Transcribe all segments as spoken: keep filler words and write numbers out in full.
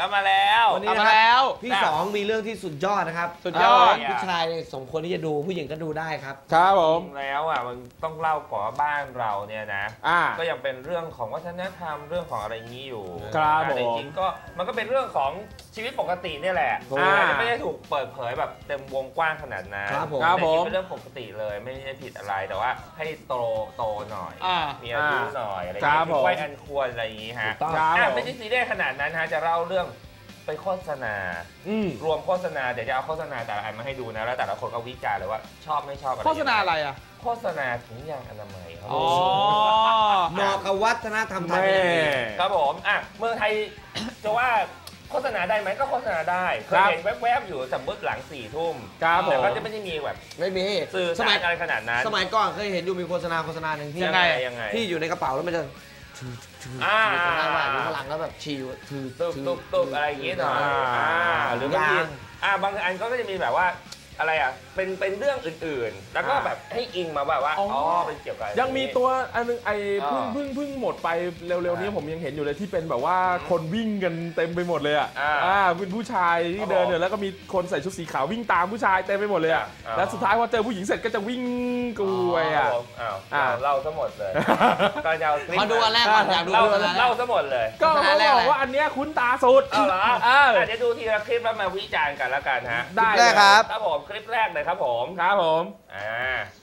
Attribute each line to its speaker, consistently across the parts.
Speaker 1: ลับมาแล้ว
Speaker 2: วันนี้แล้ว
Speaker 3: พี่สองมีเรื่องที่สุดยอดนะครับ
Speaker 2: สุดยอด
Speaker 3: ผู้ชายสมควรที่จะดูผู้หญิงก็ดูได้ครับ
Speaker 2: ครับผม
Speaker 1: แล้วอ่ะมันต้องเล่าก่อนว่าบ้านเราเนี่ยนะก็ยังเป็นเรื่องของวัฒนธรรมเรื่องของอะไรนี้อยู่
Speaker 2: ครับผม
Speaker 1: จริงๆก็มันก็เป็นเรื่องของชีวิตปกตินี่แหละไม่ได้ถูกเปิดเผยแบบเต็มวงกว้างขนาดนั้น
Speaker 3: ครับผม
Speaker 1: เป็นเรื่องปกติเลยไม่ได้ผิดอะไรแต่ว่าให้โตโตหน่อยมีอายุหน่อยอะไรอย่างเงี้ยไว้อันควรอะไรอย่างงี้ฮะไม่ใช่ซีเรียสขนาดนั้นฮะจะเล่าเรื่องไปโฆษณารวมโฆษณาเดี๋ยวจะเอาโฆษณาแต่ละอันมาให้ดูนะแล้วแต่ละคนก็วิจารณ์เลยว่าชอบไม่ชอบอะไร
Speaker 2: โฆษณาอะไรอ่ะ
Speaker 1: โฆษณาถุงยางอนามัยครับ
Speaker 2: อ๋อ
Speaker 3: เหมาะกับวัฒนธรรมไทย
Speaker 1: ครับผมอ่ะเมืองไทยจะว่าโฆษณาได้ไหมก็โฆษณาได้เคยเห็นแวบๆอยู่สมมติหลังสี่ทุ่มแต่ก็จะไม่ได้มีแบบ
Speaker 3: ไม่มี
Speaker 1: สื่อสารอะไรขนาดนั้น
Speaker 3: สมัยก่อนเคยเห็นอยู่มีโฆษณาโฆษณาหนึ่งที่
Speaker 1: ยังไงยังไง
Speaker 3: ที่อยู่ในกระเป๋าแล้วมันจะ
Speaker 1: อ่า
Speaker 3: หน้าบ้านข้างหลังแล้วแบบชิวถือ
Speaker 1: ตุ๊บตุ๊บตุ๊บอะไรอย่างเงี้ยหน่อยหรือบางทีอ่าบางอันก็จะมีแบบว่าอะไรอ่ะเป็นเป็นเรื่องอื่นๆแล้วก็แบบให้อิงมาแบบว่าอ๋อเป็นเกี่ยวกับ
Speaker 2: ยังมีตัวอันนึงไอ้เพิ่งเพิ่งเพิ่งหมดไปเร็วๆนี้ผมยังเห็นอยู่เลยที่เป็นแบบว่าคนวิ่งกันเต็มไปหมดเลยอ่ะอ่าเป็นผู้ชายที่เดินเนี่ยแล้วก็มีคนใส่ชุดสีขาววิ่งตามผู้ชายเต็มไปหมดเลยอ่ะแล้วสุดท้ายพอเจอผู้หญิงเสร็จก็จะวิ่งกลัวอ่ะ
Speaker 1: อ้าวเล่าซะหมดเลยก็จะเอาคลิป
Speaker 3: มาดูอันแรกก่อนอยากดู
Speaker 1: เล่าเล่าซะหมดเลย
Speaker 2: ก็เขาบอกว่าอันเนี้ยคุ้นตาสุด
Speaker 1: เอาเหรอเดี๋ยวดูทีละคลิปแล้วมาวิจารณ์กันแล้วกันฮะ
Speaker 3: ได้เลยครับ
Speaker 1: ครับผมคลิปแรกเลยครับผม
Speaker 2: ครับผม
Speaker 1: อ่า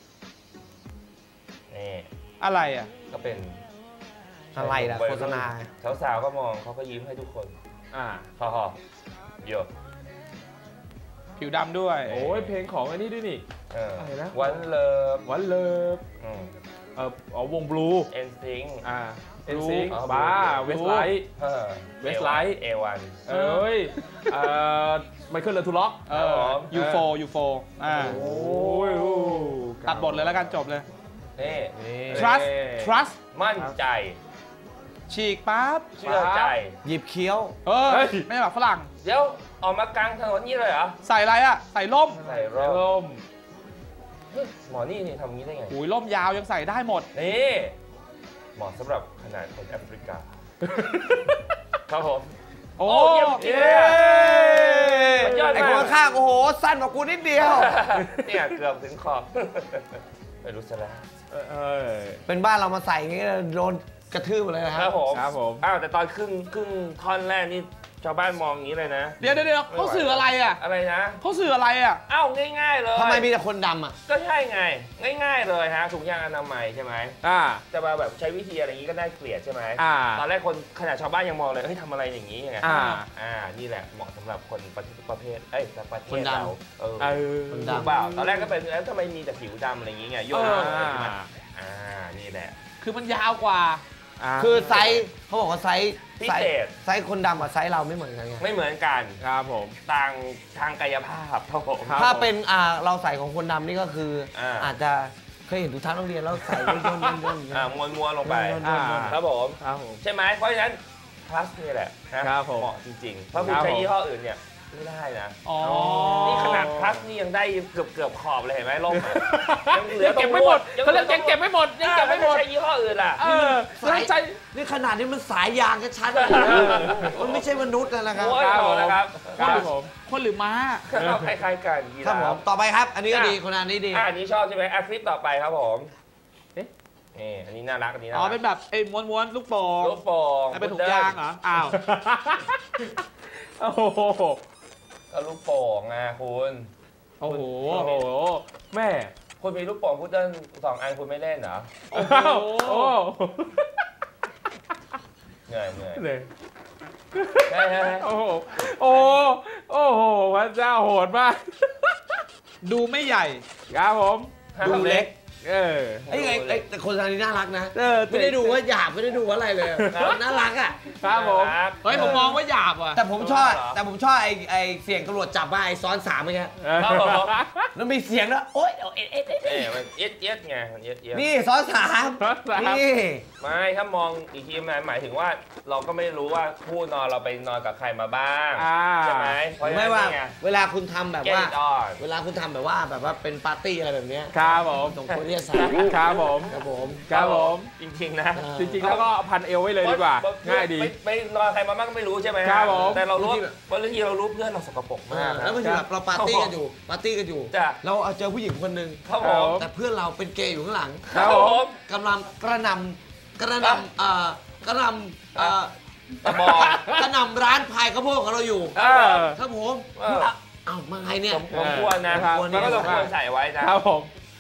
Speaker 1: นี่
Speaker 2: อะไรอ่ะ
Speaker 1: ก็เป็น
Speaker 3: อะไรล่ะโฆษณา
Speaker 1: สาวๆก็มองเขาก็ยิ้มให้ทุกคน
Speaker 2: อ่า
Speaker 1: พอๆโย
Speaker 2: ผิวดำด้วยโอ้ยเพลงของอันนี้ด้วยนี่
Speaker 1: อะไรนะวันเลิฟ
Speaker 2: วันเลิฟเอออ๋อวงบลู
Speaker 1: เอ็นซิง
Speaker 2: อ่าเอ็นซิงบ้าเวสไลท์เวสไลท์
Speaker 1: เอวัน
Speaker 2: เอ้ยเอ่อไมเคิลเลอทูล็อก
Speaker 1: เออ
Speaker 2: ยูโฟยูโฟอ่าโอ้ยตัดบทเลยแล้วกันจบเลย
Speaker 1: นี่
Speaker 2: trust trust
Speaker 1: มั่นใจ
Speaker 2: ฉีกปั๊บ
Speaker 1: เชื่อใจ
Speaker 3: หยิบเคี้ยว
Speaker 2: เออไม่ใช่แบบฝรั่ง
Speaker 1: เดี๋ยวออกมากลางถนนนี่เลยเหรอ
Speaker 2: ใส่อะไรอ่ะใส่ร่ม
Speaker 1: ใส่ร่มหมอนี่นี่ทำงี้ได้ไง
Speaker 2: อุ้ยร่มยาวยังใส่ได้หมด
Speaker 1: นี่เหมาะสำหรับขนาดคนแอฟริกาครับผม
Speaker 2: โอ้
Speaker 1: ยเย้
Speaker 3: ไอ้คนข้างโอ้โหสั้นกว่ากูนิดเดียว
Speaker 1: เนี่ยเกือบถึงขอบไม่รู้ซะแล้ว
Speaker 3: เป็นบ้านเรามาใส่อย่างนี้โดนกระทืบเลยนะครับ
Speaker 1: ผม
Speaker 2: ครับผม
Speaker 1: อ้าวแต่ตอนครึ่งครึ่งท่อนแรกนี่ชาวบ้านมองอย่างนี้เลยนะ
Speaker 2: เดี๋ยวเดี๋ยวเขาสื่ออะไรอ่ะ
Speaker 1: อะไรนะ
Speaker 2: เขาสื่ออะไรอ่ะ
Speaker 1: อ้าวง่ายๆเลย
Speaker 3: ทำไมมีแต่คนดำอ่ะ
Speaker 1: ก็ใช่ไงง่ายๆเลยฮะถุงยางอนามัยใช่ไหม
Speaker 2: อ่า
Speaker 1: จะมาแบบใช้วิธีอะไรอย่างนี้ก็น่าเกลียดใช่ไหม
Speaker 2: อ่า
Speaker 1: ตอนแรกคนขนาดชาวบ้านยังมองเลยเฮ้ยทำอะไรอย่างนี้ไง
Speaker 2: อ่า
Speaker 1: อ่านี่แหละเหมาะสำหรับคนประเภทเอ้ยประเทศเราเออ
Speaker 3: คนดำ
Speaker 1: เปล่าตอนแรกก็เป็นแล้วทำไมมีแต่ผิวดำอะไรอย่างนี้ไงโยนอ่านี่แหละ
Speaker 2: คือมันยาวกว่า
Speaker 3: คือไซส์เขาบอกว่าไซส์
Speaker 1: พิเศษ
Speaker 3: ไซส์คนดำกับไซส์เราไม่เหมือนกันไง
Speaker 1: ไม่เหมือนกัน
Speaker 2: ครับผม
Speaker 1: ต่างทางกายภาพครับผม
Speaker 3: ถ้าเป็นอ่าเราใส่ของคนดำนี่ก็คืออาจจะเคยเห็นทุกท่านโรงเรียนแล้วใส่ย่นย่นย่น
Speaker 1: อ่าม้วนม้วนลงไปครับผมใช่ไหมเพราะฉะนั้นพลัสนี่แหละเหมาะจริงๆเพราะคุณใช้ยี่ห้ออื่นเนี่ยไม่ได้นะนี่ขนาดพลัสนี่ยังได้เกือบเกือบขอบเลยเห็นไหมล่ม
Speaker 2: ยังเหลือเก็บไม่หมดเขาเรียกยังเก็บไม่หมดยังเก็บไม่หมด
Speaker 1: ใช้ยี่ห้ออื่นล่ะ
Speaker 3: สายใจนี่ขนาดนี้มันสายยางชัดเลยมันไม่ใช่มนุษย์นะครับ
Speaker 1: นะครับ
Speaker 2: คนหรือม้า
Speaker 1: คล้ายๆกัน
Speaker 3: ครับผมต่อไปครับอันนี้ก็ดีคนอันนี้ดี
Speaker 1: อันนี้ชอบใช่ไหมคลิปต่อไปครับผมนี่อันนี้น่ารักอันนี้นะ
Speaker 2: อ๋อเป็นแบบไอ้ม้วนๆลูกโป่ง
Speaker 1: ลูกโป่ง
Speaker 2: เป็นถุงยางเหรออ้าว
Speaker 1: โอ้โหก็ลูกโป่งไงคุณ
Speaker 2: โอ้โหแม่
Speaker 1: คุณมีลูกโป่งพุดเดิ้ลสองอันคุณไม่เล่นเหรอ
Speaker 2: โอ้โห
Speaker 1: เหนื่อยเหนื่อย
Speaker 2: เลย
Speaker 1: โอ้โห
Speaker 2: โอ้โอ้โหพระเจ้าโหดมากดูไม่ใหญ่ครับผม
Speaker 3: ดูเล็ก
Speaker 2: เออ
Speaker 3: ไอ้ไอ้แต่คนอันนี้น่ารักนะไม่ได้ดูว่าหยาบไม่ได้ดูว่าอะไรเลยน่ารักอ่ะ
Speaker 2: ครับผมเฮ้ยผมมองว่าหยาบอ่ะ
Speaker 3: แต่ผมชอบแต่ผมชอบไอ้ไอ้เสียงตำรวจจับมาไอ้ซ้อนสามเมื่อกี้แล้วมีเสียงแล้วโอ๊ยเอ็ดเอ็ดเอ็ด
Speaker 1: เอ็ดมันเอ็ดเอ็ดไงเอ็ดเอ็ด
Speaker 3: นี่ซ้อนสามนี่
Speaker 1: ไม่ถ้ามองอีกทีมันหมายถึงว่าเราก็ไม่รู้ว่าคู่นอนเราไปนอนกับใครมาบ้างใช่ไหม
Speaker 3: ไม่ว่าเวลาคุณทำแบบว่าเวลาคุณทำแบบว่าแบบว่าเป็นปาร์ตี้อะไรแบบนี้
Speaker 2: ครับผม
Speaker 3: ตรงคนที่
Speaker 2: ครับผม
Speaker 3: ครับผม
Speaker 2: ครับผม
Speaker 1: จริงๆนะ
Speaker 2: จริงๆแล้วก็พันเอวไว้เลยดีกว่าง่ายดี
Speaker 1: ไปนอนใครมาบ้างก็ไม่รู้ใช่ไหมแต่เรารู้บางทีเรารู้เพื่อนเราสกปรกมาก
Speaker 3: แล้วบางทีแบบเราปาร์ตี้กันอยู่ปาร์ตี้กันอยู่เราเอาเจอผู้หญิงคนหนึ่งแต่เพื่อนเราเป็นเกย์อยู่ข้างหลังกำลังกระนำกระนำอ่ากระนำอ่ากระนำร้านพายข้าวโพดของเราอยู่ครับผมเอ้ามาไงเนี่ย
Speaker 1: ผมควรนะครับแล้วก็เราควรใส่ไว้นะครับ
Speaker 2: ผม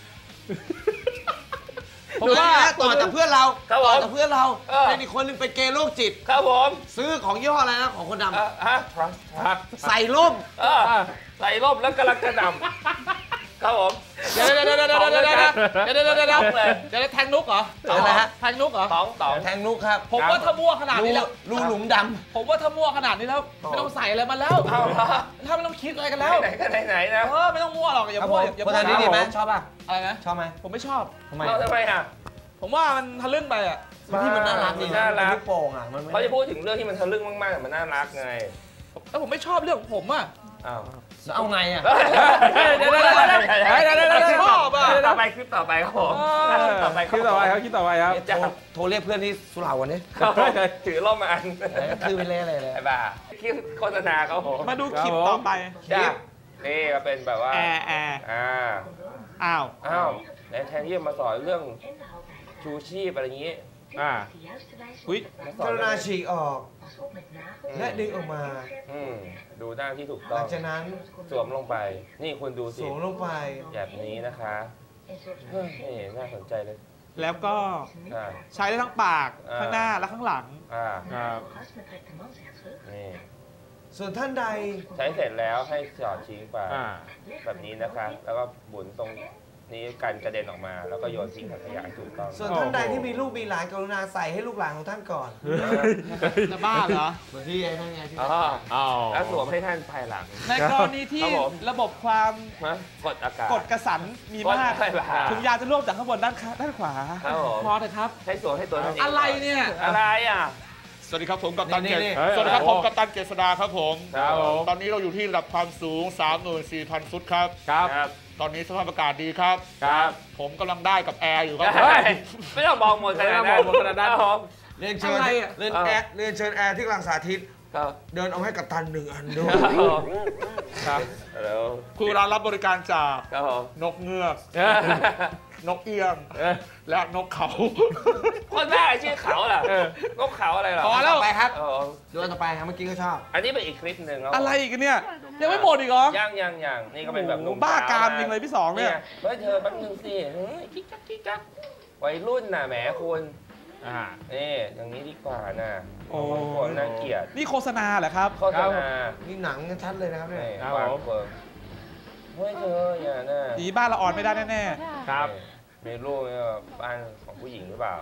Speaker 3: ผมว่าต่อจากเพื่อนเราต่อจากเพื่อนเราเป็นอีกคนนึงเป็นเกย์โรคจิต
Speaker 1: ครับผม
Speaker 3: ซื้อของยี่ห้ออะไรนะของคนด
Speaker 1: ำฮะ
Speaker 3: ใส่ร่ม
Speaker 1: ใส่ร่มแล้วกำลังกระดำครับผม
Speaker 4: เดี๋ยวเดี๋ยวเดี๋ยวเดี๋ยวเดี๋ยวเดี๋ยวเดี๋ยวเดี๋ยวเดี๋ยวเดี๋ยวเดี๋ยวแทงนุกเหรอ
Speaker 3: อะไรฮะ
Speaker 4: แทงนุกเหรอ
Speaker 1: สองสอง
Speaker 3: แทงนุกครับ
Speaker 4: ผมว่าถ้ามั่วขนาดนี้แล้ว
Speaker 3: รูหลุมดำ
Speaker 4: ผมว่าถ้ามั่วขนาดนี้แล้วไม่ต้องใส่อะไรมาแล้วถ้าไม่ต้องคิดอะไรกันแล้ว
Speaker 1: ไหนก็ไหนไหนนะ
Speaker 4: เออไม่ต้องมั่วหรอกอย่ามั่ว
Speaker 3: อย่ามั่วนี่ดีไหมชอบป่ะ
Speaker 4: อะไรนะ
Speaker 3: ชอบไหม
Speaker 4: ผมไม่ชอบ
Speaker 3: ทำไม
Speaker 1: ทำไมอ่ะ
Speaker 4: ผมว่ามันทะลึ่งไปอ่ะ
Speaker 3: ที่มันน่ารักดี
Speaker 1: น่ารัก
Speaker 3: โป่งอ่ะ
Speaker 1: เขาจะพูดถึงเรื่องที่มันทะลึ่งมากๆแต่มันน่ารักไง
Speaker 4: แล้วผมไม่ชอบเรื่องของผมอ่ะ
Speaker 1: อ้าว
Speaker 3: เอาไงอ่ะ
Speaker 4: เดี๋ยวเดี๋ยวเดี๋ยวเดี๋ยวชอบอ่ะ
Speaker 1: ต่อไปคลิปต่อไปครับผม
Speaker 2: ต่อไปคลิปต่อไปครับคลิปต่อไปครับ
Speaker 3: โทรเรียกเพื่อนที่สุเหร่าวันนี้
Speaker 1: ถือร่มมาอัน
Speaker 3: คือไปเล่อะไรเลย
Speaker 1: ไอ้บ้าคลิปโฆษณาเขาผม
Speaker 4: มาดูคลิปต่อไป
Speaker 1: คลิปนี่ก็เป็นแบบว่า
Speaker 4: แอร์แอร์
Speaker 1: อ่า
Speaker 4: อ้าว
Speaker 1: อ้าวแทนที่จะมาสอนเรื่องชูชีพอะไรอย่างนี้
Speaker 2: อ่า
Speaker 3: อุ้ยกรุณาฉีกออกและดึงออกมา
Speaker 1: อืมดูหน้าที่ถูกต้อง
Speaker 3: หลังจากนั้น
Speaker 1: สวมลงไปนี่คุณดูสิ
Speaker 3: สวมลงไป
Speaker 1: แบบนี้นะคะนี่น่าสนใจเลย
Speaker 4: แล้วก็ใช้ได้ทั้งปากข้างหน้าและข้างหลัง
Speaker 1: อ่าครับ
Speaker 3: นี่ส่วนท่านใด
Speaker 1: ใช้เสร็จแล้วให้จอดทิ้งไปแบบนี้นะคะแล้วก็หมุนตรงนี้กันกระเด็นออกมาแล้วก็โยนทิ้งถังขยะถูกต้อง
Speaker 3: ส่วนท่านใดที่มีลูกมีหลานกรุณาใส่ให้ลูกหลานของท่านก่อน
Speaker 4: จะบ้าเหรอ
Speaker 3: เหมือนที่ไอ้นั่นไงที่
Speaker 1: อ๋อแล้วสวมให้ท่านภายหลัง
Speaker 4: ในกรณีที่ระบบความ
Speaker 1: กดอากาศ
Speaker 4: กดกระสันมีมากถุงยาจะรวบจากข้างบนด้านด้านขวาพอเถอะครับ
Speaker 1: ให้สวมให้ตัว
Speaker 4: อะไรเนี่ย
Speaker 1: อะไรอ่ะ
Speaker 4: สวัสดีครับผมกัปตันเกษสวัสดีครับผมกัปตันเกษดาครับผมตอนนี้เราอยู่ที่ระดับความสูง สามหมื่นสี่พัน ฟุตครับ
Speaker 1: ครับ
Speaker 4: ตอนนี้สภาพอากาศดีครับ
Speaker 1: ครับ
Speaker 4: ผมกำลังได้กับแอร์อยู่ครับ
Speaker 1: ไม่ต้องมองหมดขนาดนั้น
Speaker 2: ขนาดนั้น
Speaker 3: เรียนเชิญเรียนแอร์เรียนเชิญแอร์ที่กลางสาธิตเดินเอาให้กัปตันหนึ่งอันด้วย
Speaker 4: ครับคือร้านรับบริการจากนกเงือกนกเอี้ยงและนกเขา
Speaker 1: คนแรกชื่อเขาล่ะนกเขาอะไรหรอ
Speaker 4: พอแล้ว
Speaker 3: ไปครับดูอันต่อไปครับเมื่อกี้ก็ชอบ
Speaker 1: อันนี้เป็นอีกคลิปหนึ่งแล้ว
Speaker 4: อะไรอีกเนี่ยยังไม่หมดอีกเหรอ
Speaker 1: ยังยังยังนี่ก็เป็นแบบนุ่ม
Speaker 4: บ้ากามจริงเลยพี่สองเนี่ย
Speaker 1: เฮ้ยเธอแป๊บนึงสิกิ๊กกักกิ๊กกักวัยรุ่นน่ะแหมคุณอ่านี่อย่างนี้ดีกว่าน่ะโอ้โหน่าเกลียด
Speaker 4: นี่โฆษณาเหรอครับ
Speaker 1: โฆษณา
Speaker 3: นี่หนังชัดเลยนะครับเนี่ย
Speaker 1: วางเฟิร์มเฮ้ยเธออย่าน่ะ
Speaker 4: ดีบ้านเราอ่อนไม่ได้แน่
Speaker 1: ๆครับมีลูกเนี่ยบ้านของผู้หญิงหรือเปล่า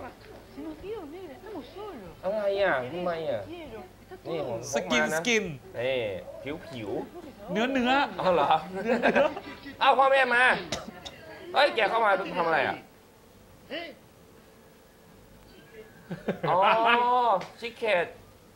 Speaker 1: อะไรอ่ะทำไมอ่ะนี่ผม
Speaker 4: สกินสกิน
Speaker 1: นี่ผิวผิว
Speaker 4: เนื้อเนื้อ
Speaker 1: อ๋อเหรออ้าวพ่อแม่มาเฮ้ยแกเข้ามาทำอะไรอ่ะอ๋อชิคเกต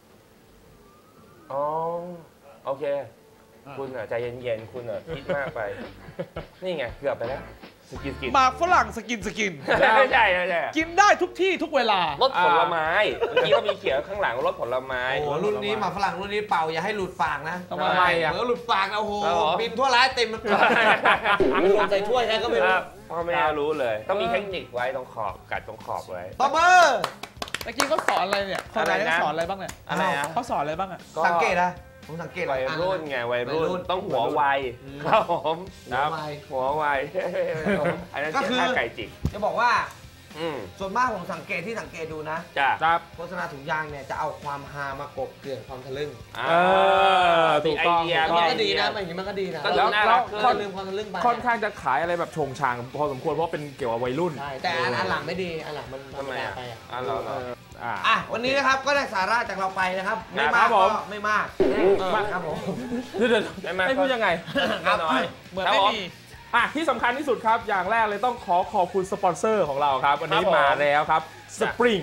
Speaker 1: อ๋อโอเคคุณอ่ะใจเย็นๆคุณอ่ะคิดมากไปนี่ไงเกือบไปแล้วสกินสกิน
Speaker 4: หมากฝรั่งสกินสกิน
Speaker 1: ไม่ใช่ไม่ใช่
Speaker 4: กินได้ทุกที่ทุกเวลาร
Speaker 1: สผลไม้เมื่อกี้ก็มีเขียนข้างหลังรสผลไม้
Speaker 3: โอ้รุ่นนี้หมากฝรั่งรุ่นนี้เป่าอย่าให้หลุดปากนะ
Speaker 1: ทำไมอ่ะ
Speaker 3: เออหลุดปากนะโอ้โหบินทั่วร้านเต็มมันหล่นใส่ถ้วยแค่ก็ไม่รู้
Speaker 1: พ่อแม่รู้เลยต้องมีเทคนิคไว้ตรงขอบกัดตรงขอบไว้
Speaker 3: ตบมือ
Speaker 4: เมื่อกี้เขาสอนอะไรเนี่ยเขาสอนอะไรบ้างเนี่ย
Speaker 1: อะไรนะ
Speaker 4: เขาสอนอะไรบ้างอ่ะ
Speaker 3: สังเกตนะผมสังเกต
Speaker 1: วัยรุ่นไงวัยรุ่นต้องหัวไวครับผม
Speaker 3: หัวไว
Speaker 1: หัวไวอันนั้นก็คือไก่จิก
Speaker 3: จะบอกว่าส่วนมากผมสังเกตที่สังเกตดูนะ
Speaker 1: จ้ะ
Speaker 3: โฆษณาถุงยางเนี่ยจะเอาความฮามากบเกลื่อนความทะลึ่ง
Speaker 1: ถูกต้อง
Speaker 3: มันก็ดีนะอย่างนี้มันก็ดีนะ
Speaker 1: แล้ว
Speaker 3: ค่อนลืมความทะลึ่งไป
Speaker 2: ค่อนข้างจะขายอะไรแบบชงชางพอสมควรเพราะเป็นเกี่ยวกับวัยรุ่น
Speaker 3: แต่อันหลังไม่ดีอันหลังมันธรรมดาไป
Speaker 1: อ่ะเรา
Speaker 3: อ่ะวันนี้นะครับก็ได้สาระจากเราไปนะครับไม่มากก็ไม่มากมากครับผม
Speaker 2: เดี๋ยวไม่พูดยังไง
Speaker 1: น้อย
Speaker 4: เหมือนไม่มี
Speaker 2: อ่ะที่สำคัญที่สุดครับอย่างแรกเลยต้องขอขอบคุณสปอนเซอร์ของเราครับวันนี้มาแล้วครับสปริง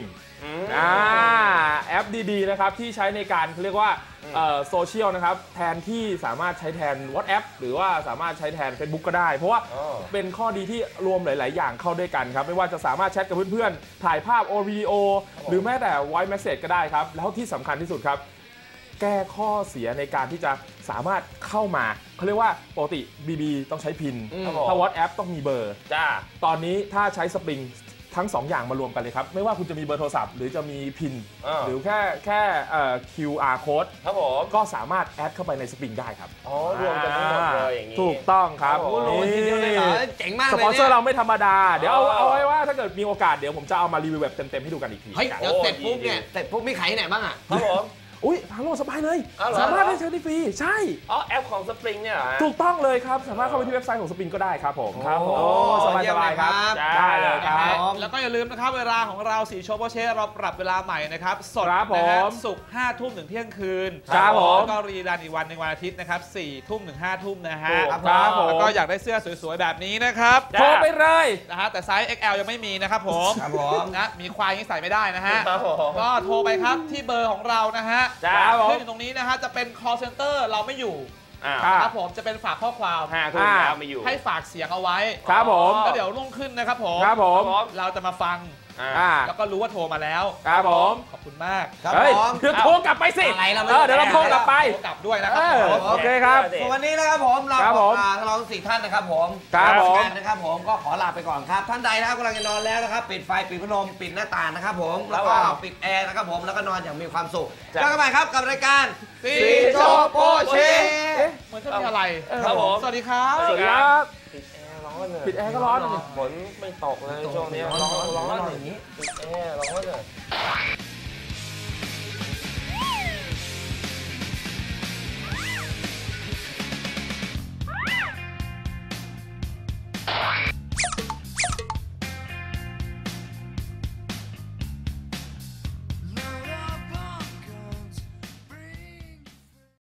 Speaker 2: อ่าแอปดีๆนะครับที่ใช้ในการเรียกว่าโซเชียลนะครับแทนที่สามารถใช้แทน WhatsApp หรือว่าสามารถใช้แทน Facebook ก็ได้เพราะว่าเป็นข้อดีที่รวมหลายๆอย่างเข้าด้วยกันครับไม่ว่าจะสามารถแชทกับเพื่อนๆถ่ายภาพโอวิดีโอหรือแม้แต่ Voice Message ก็ได้ครับแล้วที่สำคัญที่สุดครับแก้ข้อเสียในการที่จะสามารถเข้ามาเขาเรียกว่าปกติ บี บี ต้องใช้พินถ้า WhatsApp ต้องมีเบอร์จ้าตอนนี้ถ้าใช้สปริงทั้งสองอย่างมารวมกันเลยครับไม่ว่าคุณจะมีเบอร์โทรศัพท์หรือจะมีพินหรือแค่แค่ คิว อาร์ code
Speaker 1: ครับผม
Speaker 2: ก็สามารถแอดเข้าไปในสปริงได้ครับ
Speaker 1: อ๋อรวมกันทั้งหมดเลยอย่างนี้
Speaker 2: ถูกต้องครับ
Speaker 3: นี่เจ๋งมากเลย
Speaker 2: สปอนเซอร์เราไม่ธรรมดาเดี๋ยวเอาเอาไว้ว่าถ้าเกิดมีโอกาสเดี๋ยวผมจะเอามารีวิวแบบเต็มๆให้ดูกันอีกที
Speaker 3: เฮ้ยเดี๋ยวเสร็จปุ๊บเนี่ยเสร็จปุ๊บมีขายที่ไหนบ้างอ่ะ
Speaker 1: ครับผม
Speaker 2: อุ้ยทางโลกสบายเลยสามารถได้ใช้ฟรีใช่
Speaker 1: อ๋อแอปของสปริงเนี่ย
Speaker 2: ถูกต้องเลยครับสามารถเข้าไปที่เว็บไซต์ของสปริงก็ได้ครับผมครับผมสบายสบายครับได้เลยครับ
Speaker 4: แล้วก็อย่าลืมนะครับเวลาของเราสีโชว์โปเช่เราปรับเวลาใหม่นะครับสดนะฮะศุกร์ห้าทุ่มถึงเที่ยงคืน
Speaker 2: ครับผม
Speaker 4: แล้วก็รีรันอีกวันหนึ่งวันอาทิตย์นะครับสี่ทุ่มถึงห้าทุ่มนะฮะ
Speaker 2: ครับผม
Speaker 4: แล้วก็อยากได้เสื้อสวยๆแบบนี้นะครับ
Speaker 2: โทรไปเลย
Speaker 4: นะฮะแต่ไซส์ เอ็กซ์ แอล ยังไม่มีนะครับผม
Speaker 3: ครับผม
Speaker 4: นะมีควายยังใส่ไม่ได้นะฮะก็โทรไปครับที่เบอร์ของเรานะฮะขึ้นอยู่ตรงนี้นะฮะจะเป็น call center เราไม่อยู่ครับผมจะเป็นฝากข้อความให้ฝากเสียงเอาไว้
Speaker 2: ครับผม
Speaker 4: แล้วเดี๋ยวรุ่งขึ้นนะครับผม
Speaker 2: ครับผม
Speaker 4: เราจะมาฟังแล้วก็รู้ว่าโทรมาแล้ว
Speaker 2: ครับผม
Speaker 4: ขอบคุณมาก
Speaker 2: ครับผมเดี๋ยวโทรกลับไปสิเดี๋ยวเราโทรกลับไป
Speaker 4: โทรกลับด้วยนะครับ
Speaker 2: โอเคครับ
Speaker 3: วันนี้นะครับผมเรา
Speaker 2: ทั้
Speaker 3: งเราสี่ท่านนะครับผม
Speaker 2: ครับผม
Speaker 3: นะครับผมก็ขอลาไปก่อนครับท่านใดนะครับกำลังจะนอนแล้วนะครับปิดไฟปิดพัดลมปิดหน้าต่างนะครับผมแล้วก็ปิดแอร์นะครับผมแล้วก็นอนอย่างมีความสุขเจอกันใหม่ครับกับรายการ
Speaker 4: สีโชโปเช่เหมือนจะมีอะไร
Speaker 1: ครับผม
Speaker 4: สวัสดีครับ
Speaker 2: สวัสดีครับ
Speaker 1: ปิ
Speaker 2: ดแอร์ก็ร้อน
Speaker 1: ฝนไม่ตกเลยช่วงนี้ร้อนร้อนอย่างนี้ปิดแอร์ร้อนเลย